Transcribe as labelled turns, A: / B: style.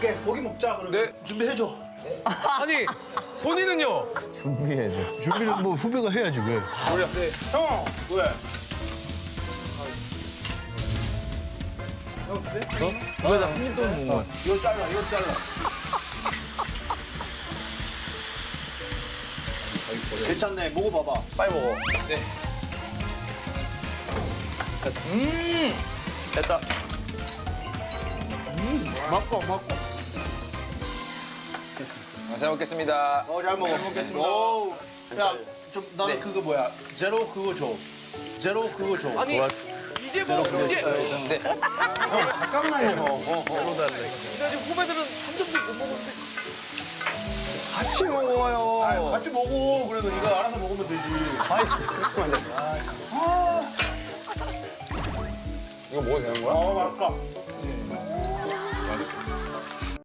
A: 고기 먹자 그러면.
B: 네.
A: 준비해줘.
B: 아니 본인은요?
C: 준비는 뭐 후배가 해야지 왜?
A: 형 왜?
C: 후배가 한 입도 못 먹는 거야.
A: 이거 잘라. 괜찮네. 먹어봐봐.
B: 빨리 먹어. 네. 됐다.
A: 먹고.
B: 잘 먹겠습니다.
A: 잘 먹어. 잘 먹겠습니다. 야, 좀 나는 그거 뭐야? 제로 그거 줘.
B: 아니 이제 뭐 이제 네.
A: 잠깐만요.
B: 근데 지금 후배들은 한 점도 못 먹었는데
A: 같이 먹어요. 같이 먹어. 그래도 네가 알아서 먹으면 되지.
B: 이거 먹어도 되는 거야?
A: 맞다.